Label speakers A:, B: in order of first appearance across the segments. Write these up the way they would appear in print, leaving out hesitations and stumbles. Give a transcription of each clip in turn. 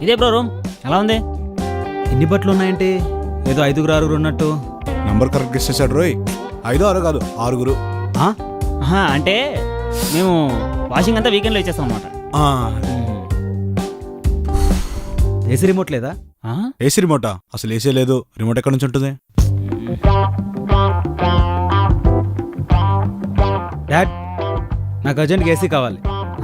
A: ఇదే bro room. ఎలా ఉంది?
B: ఎన్ని బట్టలు ఉన్నాయంటే ఏదో 5 6 ఉన్నట్టు.
C: నంబర్ కరెక్ట్ ఇచ్చేసాడు రోయ్. 5 6 కాదు 6.
A: అంటే మేము వాషింగ్ అంతా వీకెండ్లో ఇచ్చేస్తాం అనమాట.
B: ఏసీ రిమోట్ లేదా?
C: ఏసీ రిమోటా? అసలు ఏసీ లేదు. రిమోట్ ఎక్కడి నుంచి ఉంటుంది?
B: డాడ్, నాకు అర్జెంట్గా ఏసీ కావాలి.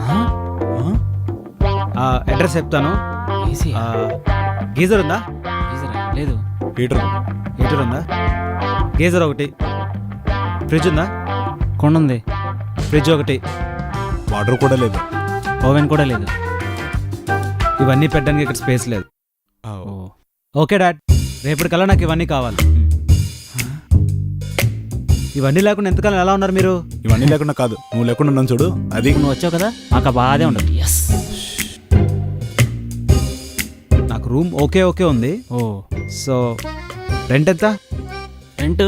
B: అడ్రస్ చెప్తాను.
A: ఏసీ
B: గీజర్ ఉందా?
A: లేదు.
C: హీటర్
B: ఉందా? గీజర్ ఒకటి. ఫ్రిడ్జ్ ఉందా?
A: కొండ ఉంది.
B: ఫ్రిడ్జ్ ఒకటి.
C: వాటర్ కూడా లేదు.
A: ఓవెన్ కూడా లేదు.
B: ఇవన్నీ పెట్టడానికి ఇక్కడ స్పేస్ లేదు. ఓకే డాడ్, రేపటికల్లా నాకు ఇవన్నీ కావాలి. ఇవన్నీ లేకుండా ఎంతకాలం ఎలా ఉన్నారు మీరు?
C: ఇవన్నీ లేకుండా కాదు, నువ్వు లేకుండా ఉన్నాను చూడు. అది
A: నువ్వు వచ్చావు కదా, మాకు బాధే ఉండదు. ఎస్,
B: నాకు రూమ్ ఓకే ఉంది. సో రెంట్ ఎంత?
A: రెంట్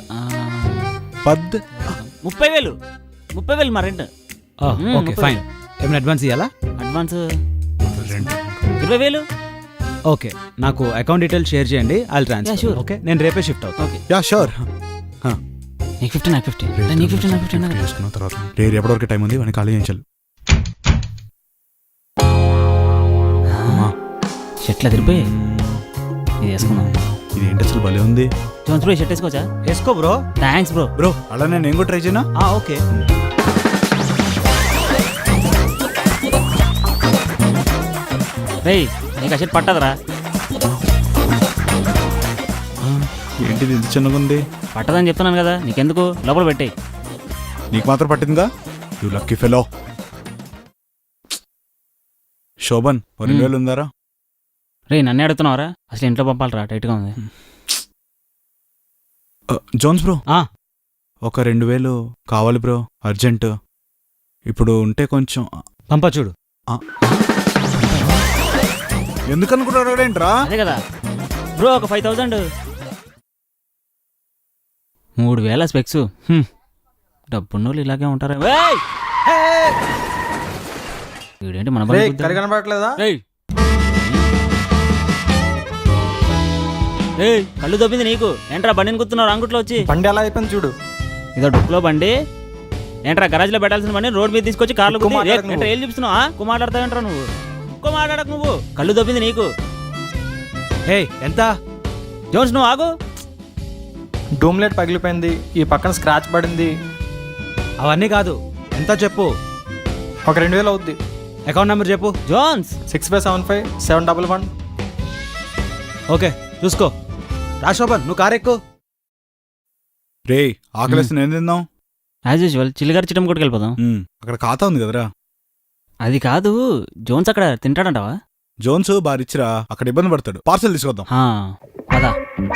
A: 30,000 మా రెంట్.
B: Okay fine. ఏమైనా అడ్వాన్స్ ఇవ్వాలా?
A: అడ్వాన్స్ 20,000.
B: ఓకే, నాకు అకౌంట్ డీటెయిల్స్ షేర్ చేయండి. I'll transfer. ఓకే, నేను రేపే షిఫ్ట్ అవుతాను.
A: Okay,
C: yeah sure.
A: నీకు 50 నాకు 50. నీకు 50 నాకు 50
C: చేసుకున్న తర్వాత రేపు ఎప్పటివరకు టైం ఉంది? వాడిని ఖాళీ చేయించాలి.
A: షర్ట్లు తిరిపోయి ఇది వేసుకున్నాం.
C: ఇది ఏంటి అసలు భలే ఉంది.
A: జోన్స్ బ్రో షర్ట్ వేసుకోవచ్చా?
B: వేసుకో బ్రో.
A: Thanks bro.
C: బ్రో అలా నేను కూడా ట్రై చేయనా?
B: ఓకే.
A: రేయ్, నీకు ఆ షర్ట్ పట్టదురా.
C: ఏంటిది ఇంత చిన్నగా ఉంది?
A: పట్టదని చెప్తున్నాను కదా, నీకెందుకు? లోపల పెట్టేయి.
C: నీకు మాత్రం పట్టిందిగా. You lucky fellow. శోభన్ 2,000 ఉందారా?
A: రే, నన్నే అడుగుతున్నావరా? అసలు ఇంట్లో పంపాలరా, టైట్గా ఉంది.
C: జోన్స్ బ్రో, ఒక 2,000 కావాలి బ్రో, అర్జెంట్. ఇప్పుడు ఉంటే కొంచెం
B: పంప చూడు.
C: ఎందుకనుకుంటాడేంట్రా?
A: అదే కదా బ్రో, ఒక 5,000. 3,000 స్పెక్స్. డబ్బున్నోళ్ళు ఇలాగే ఉంటారా? వీడేంటి మన
D: కనబడట్లేదా?
A: కళ్ళు దొబ్బింది నీకు. ఏంట్రా బండిని గుర్తున్నావు అంగుట్లో వచ్చి?
D: బండి ఎలా అయిపోయింది చూడు.
A: ఇదో డొక్కులో బండి. ఏంట్రా గరాజ్లో పెట్టాల్సిన బండి రోడ్ మీద తీసుకొచ్చి కార్లు ఏం చూపిస్తున్నావు? ఎక్కువ మాట్లాడతావేంట్రా నువ్వు? ఎక్కువ మాట్లాడకు నువ్వు. కళ్ళు దొబ్బింది నీకు.
B: ఎంత?
A: జోన్స్ నువ్వు ఆగు.
D: డూమ్లెట్ పగిలిపోయింది, ఈ పక్కన స్క్రాచ్ పడింది.
B: అవన్నీ కాదు, ఎంత చెప్పు.
D: ఒక 2,000 అవుద్ది.
B: అకౌంట్ నెంబర్ చెప్పు.
A: జోన్స్
D: 6575 711.
B: ఓకే, చూసుకో. రాశోభన్, నువ్వు కారు ఎక్కు.
C: రే, ఆకలేసి నేను తిందాం.
A: యాజ్ యూజువల్ చిల్లిగారి చిట్టం కొట్టుకు వెళ్ళిపోదాం.
C: అక్కడ ఖాతా ఉంది కదరా.
A: అది కాదు, జోన్స్ అక్కడ తింటాడంటావా?
C: జోన్స్ బారిచ్చిరా, అక్కడ ఇబ్బంది పడతాడు. పార్సల్ తీసుకొద్దాం.
A: పదా.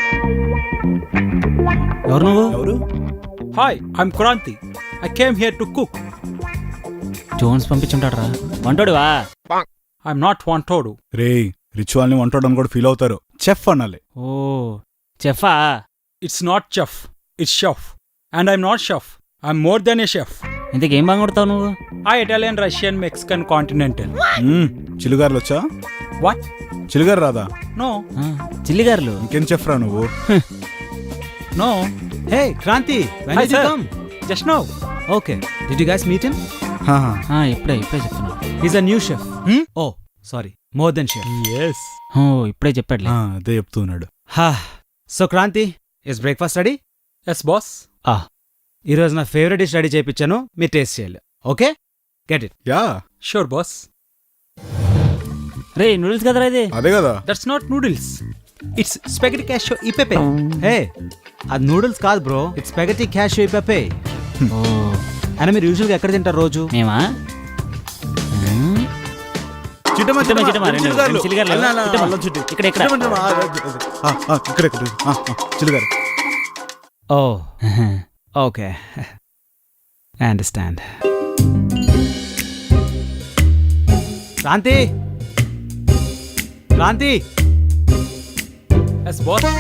A: ఎవరు నువ్వు?
C: ఎవరు?
E: Hi, I'm Kranti. I came here to cook.
A: Jones పంపించుంటాడరా. వంటోడివా?
E: I'm not Wantodu.
C: రే, రిచువల్ని వంటోడని కూడా ఫీల్ అవుతారు. చెఫ్ అనాలి.
A: ఓ, చెఫా?
E: It's not chef, it's chef. And I'm not chef. I'm more than a chef.
A: ఇంతకేం బాగా కొడతావు నువ్వు?
E: Italian, Russian, Mexican, continental.
C: చిలుగారులు వచ్చా?
E: What?
C: చిలుగారు రాదా?
E: No.
A: చిల్లిగారులు.
C: ఇంకేం చెఫ్ రా నువ్వు?
E: No.
B: Hey Kranti, when
E: Hi,
B: did you
E: sir.
B: come?
E: Just now.
B: Okay, did you guys meet him?
A: ఇప్పుడే చెప్తున్నా.
B: He's a new chef. Oh, sorry, more than chef.
E: Yes.
A: ఇప్పుడే చెప్పాడులే.
C: అదే చెప్తున్నాడు.
B: So Kranti, is breakfast ready?
E: Yes, boss.
B: ఈరోజు నా favourite dish ready చేయించాను, మీరు taste చేయాలి. Okay, get it.
C: Yeah
E: Sure, boss.
A: రే, నూడిల్స్ కదరా ఇది?
C: అదే కదా.
E: That's not noodles. It's spaghetti cashew e pepe.
B: హే, అది నూడిల్స్ కాదు bro, it's spaghetti cacio e pepe. అయినా మీరు యూజువల్గా ఎక్కడ తింటారు రోజు?
A: మేమా?
C: చిలుగారు.
B: ఓ, okay, I understand. Kranti, Kranti.
E: Yes, boss.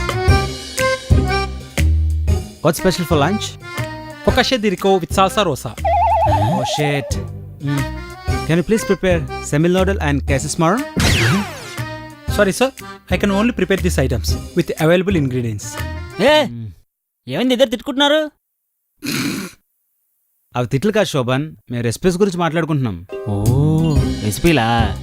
B: What's special for lunch?
E: Focaccia di rico with salsa rosa.
B: Oh shit. Can you please prepare semil noodle and quesadilla?
E: Sorry, sir. I can only prepare these items with available ingredients.
A: ఏ ఏమైంది ఇద్దరు తిట్టుకుంటున్నారు?
B: అవి తిట్లు కాదు శోభన్, మేము recipes గురించి మాట్లాడుకుంటున్నాం.
A: ఓ రెసిపీలా?